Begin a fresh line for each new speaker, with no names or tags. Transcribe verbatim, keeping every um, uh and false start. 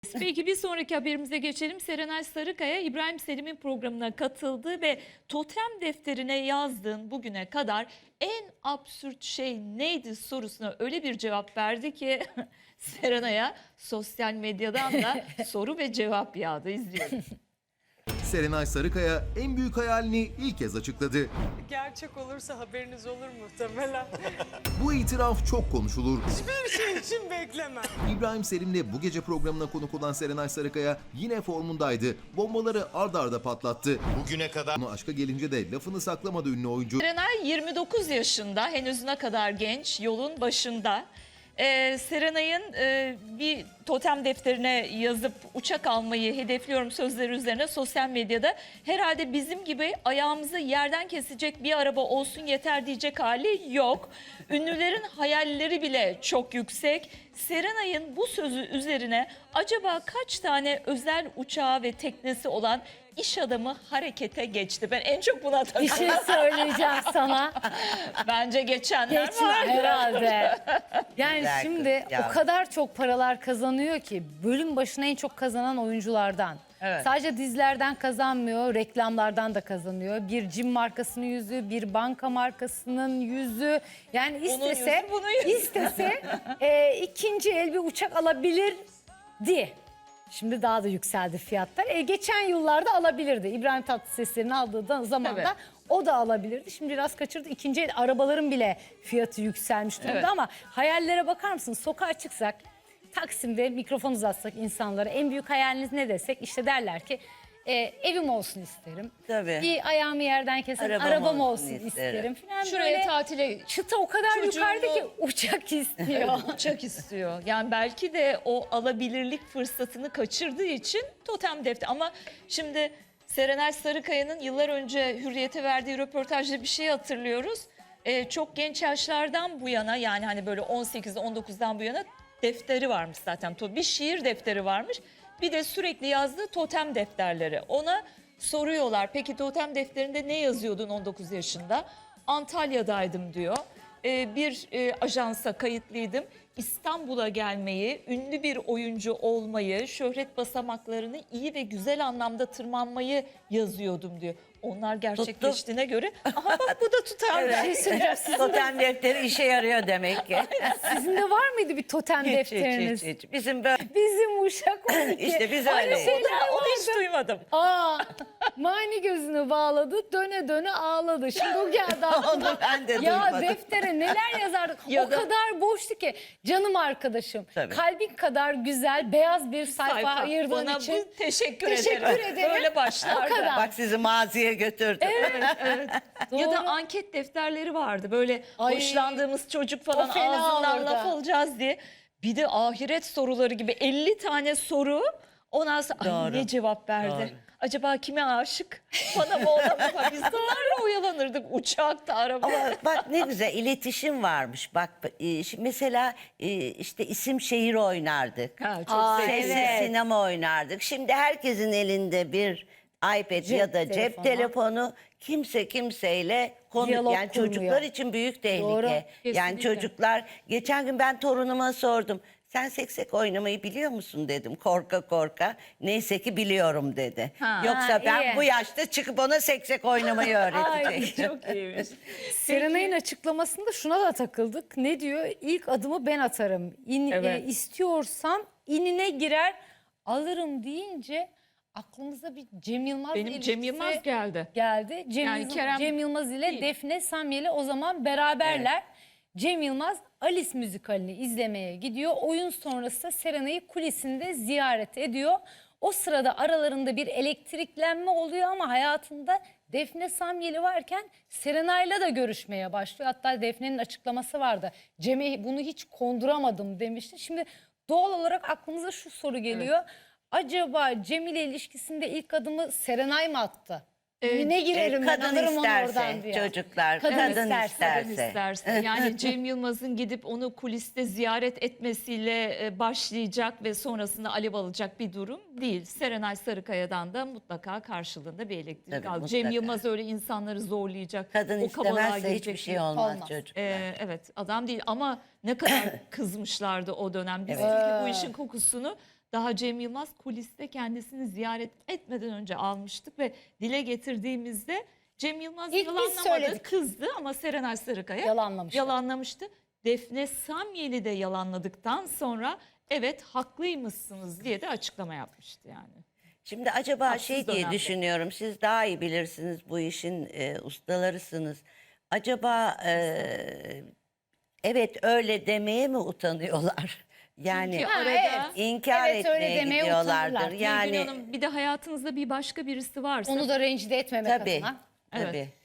Peki bir sonraki haberimize geçelim. Serenay Sarıkaya İbrahim Selim'in programına katıldı ve totem defterine yazdığın bugüne kadar en absürt şey neydi sorusuna öyle bir cevap verdi ki Serenay'a sosyal medyadan da soru ve cevap yağdı. İzliyoruz.
Serenay Sarıkaya en büyük hayalini ilk kez açıkladı.
Gerçek olursa haberiniz olur muhtemelen.
Bu itiraf çok konuşulur.
Hiçbir şey için beklemem.
İbrahim Selim'le bu gece programına konuk olan Serenay Sarıkaya yine formundaydı. Bombaları ard arda patlattı.
Bugüne kadar
Ama aşka gelince de lafını saklamadı ünlü oyuncu.
Serenay yirmi dokuz yaşında, henüz ne kadar genç, yolun başında. Ee, Serenay'ın e, bir totem defterine yazıp uçak almayı hedefliyorum sözleri üzerine sosyal medyada herhalde bizim gibi ayağımızı yerden kesecek bir araba olsun yeter diyecek hali yok. Ünlülerin hayalleri bile çok yüksek. Serenay'ın bu sözü üzerine acaba kaç tane özel uçağı ve teknesi olan iş adamı harekete geçti? Ben en çok buna
Bir
takıldım.
şey söyleyeceğim sana.
Bence geçenler
Geçme
var.
herhalde. Yani
Güzel
şimdi
kız ya.
o kadar çok paralar kazanıyor ki bölüm başına en çok kazanan oyunculardan.
Evet.
Sadece dizilerden kazanmıyor, reklamlardan da kazanıyor. Bir cim markasının yüzü, bir banka markasının yüzü. Yani istese,
yüzü, bunun yüzü.
istese e, ikinci el bir uçak alabilirdi. Şimdi daha da yükseldi fiyatlar. E, geçen yıllarda alabilirdi. İbrahim Tatlıses'lerin aldığı da zamanda
Evet.
o da alabilirdi. Şimdi biraz kaçırdı. İkinci el arabaların bile fiyatı yükselmiş durumda
Evet.
ama hayallere bakar mısın? Sokağa çıksak, Taksim'de mikrofon uzatsak insanlara en büyük hayaliniz ne desek işte derler ki e, evim olsun isterim.
Tabii.
Bir ayağımı yerden kesen arabam,
Arabam
olsun,
olsun
isterim.
isterim.
Falan
Şuraya
böyle
tatile
çıta o kadar
çocuğumu-
yukarıda ki uçak istiyor.
uçak istiyor. Yani belki de o alabilirlik fırsatını kaçırdığı için totem defter. Ama şimdi Serenay Sarıkaya'nın yıllar önce Hürriyet'e verdiği röportajda bir şey hatırlıyoruz. Ee, çok genç yaşlardan bu yana yani hani böyle on sekiz on dokuzdan bu yana defteri varmış zaten. Bir şiir defteri varmış. Bir de sürekli yazdığı totem defterleri. Ona soruyorlar peki totem defterinde ne yazıyordun on dokuz yaşında? Antalya'daydım diyor. Ee, bir e, ajansa kayıtlıydım. İstanbul'a gelmeyi, ünlü bir oyuncu olmayı, şöhret basamaklarını iyi ve güzel anlamda tırmanmayı yazıyordum diyor. Onlar gerçekleştiğine göre aha bak bu da tutar.
Bir şey söyleyeceğim. Sizin,
Totem defteri işe yarıyor demek ki.
sizin de var mıydı bir totem
Hiç, hiç,
defteriniz?
hiç, hiç. Bizim böyle
Bizim uşak on iki.
İşte biz
Aynı
öyleyiz.
şeyler
Onu hiç
vardı.
duymadım.
Aa, mani gözünü bağladı, döne döne ağladı. Şimdi o geldi aklıma.
Onu ben de
Ya
duymadım.
deftere neler yazardık.
Ya
o
da-
kadar boştu ki. Canım arkadaşım,
Tabii.
kalbin kadar güzel beyaz bir sayfa,
Sayfa.
ayırdığın
Bana
için.
bu teşekkür,
Teşekkür
ederim.
ederim.
Böyle başlardı.
O kadar.
bak sizi maziye götürdüm.
Ya da
Doğru.
anket defterleri vardı. Böyle
Ay.
hoşlandığımız çocuk falan
O fena
ağzından
olurdu.
laf alacağız diye. Bir de ahiret soruları gibi elli tane soru. Ondan sonra ay
Doğru.
ne cevap verdi?
Doğru.
Acaba kime aşık? Bana mı ona mı? Biz bunlarla oyalanırdık uçakta, araba.
Ama bak ne güzel iletişim varmış. Bak e, şimdi mesela e, işte isim şehir oynardık.
Ha, çok
Aa,
sevdim.
Sessiz
evet.
sinema oynardık. Şimdi herkesin elinde bir iPad
Cep
ya da cep
telefonu.
telefonu. Kimse kimseyle konu
Diyalog
yani
kurmuyor.
çocuklar için büyük tehlike.
Doğru,
Yani
kesinlikle.
çocuklar geçen gün ben torunuma sordum. Sen seksek oynamayı biliyor musun dedim korka korka. Neyse ki biliyorum dedi.
Ha.
Yoksa
Ha,
ben
iyi.
bu yaşta çıkıp ona seksek oynamayı
Ay
öğretecektim.
çok iyiymiş.
Serenay'ın açıklamasında şuna da takıldık. Ne diyor? İlk adımı ben atarım. İn,
Evet.
e, istiyorsan inine girer alırım deyince aklımıza bir Cem Yılmaz
Benim
ilişkisi
Cem Yılmaz geldi.
geldi. Cem,
Yani
Yılmaz,
Kerem
Cem Yılmaz ile
değil.
Defne Samyeli o zaman beraberler. Cem Yılmaz Alice müzikalini izlemeye gidiyor. Oyun sonrası Serenay'ı kulisinde ziyaret ediyor. O sırada aralarında bir elektriklenme oluyor ama hayatında Defne Samyeli varken Serenay'la da görüşmeye başlıyor. Hatta Defne'nin açıklaması vardı. Cem'e bunu hiç konduramadım demişti. Şimdi doğal olarak aklımıza şu soru geliyor. Acaba Cem ile ilişkisinde ilk adımı Serenay mı attı?
Ee,
ne girerim
E,
ben
kadın
alırım onu
isterse,
oradan diye.
çocuklar,
Kadın
kadın,
isterse.
isterse.
Kadın isterse. Yani Cem Yılmaz'ın gidip onu kuliste ziyaret etmesiyle e, başlayacak ve sonrasında alev alacak bir durum değil. Serenay Sarıkaya'dan da mutlaka karşılığında bir elektrik
Tabii,
al. Cem
mutlaka.
Yılmaz öyle insanları zorlayacak.
Kadın
o kabalığa
istemezse
girecek
hiçbir şey
değil.
olmaz,
Olmaz.
çocuklar.
Ee, evet adam değil ama ne kadar kızmışlardı o dönem. Biz
Evet.
çünkü bu işin kokusunu daha Cem Yılmaz kuliste kendisini ziyaret etmeden önce almıştık ve dile getirdiğimizde Cem Yılmaz
İlk biz
yalanlamadı,
söyledik.
kızdı ama Serenay Sarıkaya
Yalanlamıştı.
yalanlamıştı. Defne Samyeli de yalanladıktan sonra evet haklıymışsınız diye de açıklama yapmıştı yani.
Şimdi acaba
Haksız
şey diye
dönemde.
düşünüyorum. Siz daha iyi bilirsiniz, bu işin e, ustalarısınız. Acaba e, evet öyle demeye mi utanıyorlar? Yani
Çünkü
Ha,
arada
evet.
inkar
Evet, öyle
etmeye
demeye
gidiyorlardır.
utanırlar.
yani
Yani
Hanım, bir de hayatınızda bir başka birisi varsa
Onu da rencide etmemek
tabii,
adına.
Evet.
tabii.